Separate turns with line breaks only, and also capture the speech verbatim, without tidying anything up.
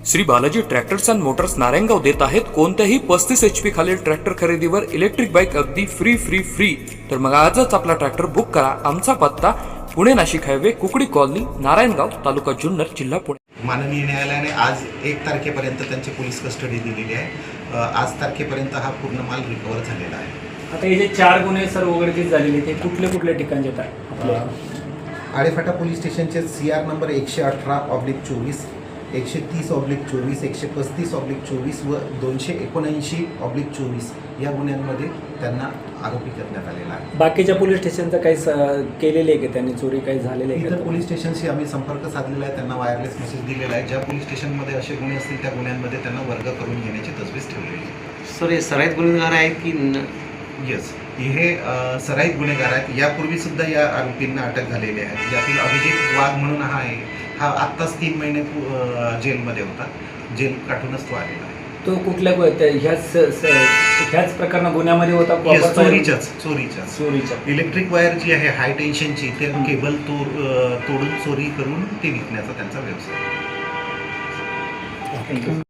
Shri Balaji tractors and motors Narayangaon देत आहेत कोणत्याही पस्तीस एच पी खालील ट्रॅक्टर खरेदीवर इलेक्ट्रिक बाईक अगदी फ्री फ्री फ्री। तर मग आजच आपला ट्रॅक्टर बुक करा। आमचा पत्ता पुणे नाशिक हायवे कुकडी कॉलनी नारायणगाव तालुका जुन्नर जिल्हा पुणे।
माननीय न्यायालयाने आज एक तारखेपर्यंत त्यांची पोलीस कस्टडी दिलेली आहे। आज तारखेपर्यंत हा पूर्ण माल रिकवर झालेला आहे।
आता हे जे चार गुन्हे सर उघडकीस झालेले ते कुठले कुठले ठिकाणचे आहेत?
आडेफाटा पोलीस स्टेशनचे सी आर नंबर एकशे अठरा ऑब्लिक चोवीस, एकशे तीस ऑब्लिक चोवीस, एकशे पस्तीस ऑब्लिक चोवीस व दोनशे एकोणऐंशी ऑब्लिक चोवीस या गुन्ह्यांमध्ये त्यांना आरोपी करण्यात आलेला आहे।
बाकीच्या पोलीस स्टेशनचं काही केलेले आहे की त्यांनी चोरी काही झालेले आहे?
इतर पोलीस स्टेशनशी आम्ही संपर्क साधलेला आहे, त्यांना वायरलेस मेसेज दिलेला आहे। ज्या पोलीस स्टेशनमध्ये असे गुन्हे असतील त्या गुन्ह्यांमध्ये त्यांना वर्ग करून घेण्याची तजवीज ठेवलेली आहे।
सर हे सराईत गुन्हेगार आहेत की
येस, हे सराईत गुन्हेगार आहेत। यापूर्वी सुद्धा या आरोपींना अटक झालेली आहे। यातील अभिजित वाघ म्हणून हा आहे, हा आत्ताच तीन महिने जेलमध्ये होता, जेल काढूनच तो आलेला आहे।
तो कुठल्या ह्याच ह्याच प्रकरण गुन्ह्यामध्ये होता?
चोरीच्याच चोरीच्याच
चोरीच्या
इलेक्ट्रिक वायर जी आहे हाय टेन्शनची, ते केबल तोड तोडून चोरी करून ते विकण्याचा त्यांचा व्यवसाय आहे।
थँक्यू।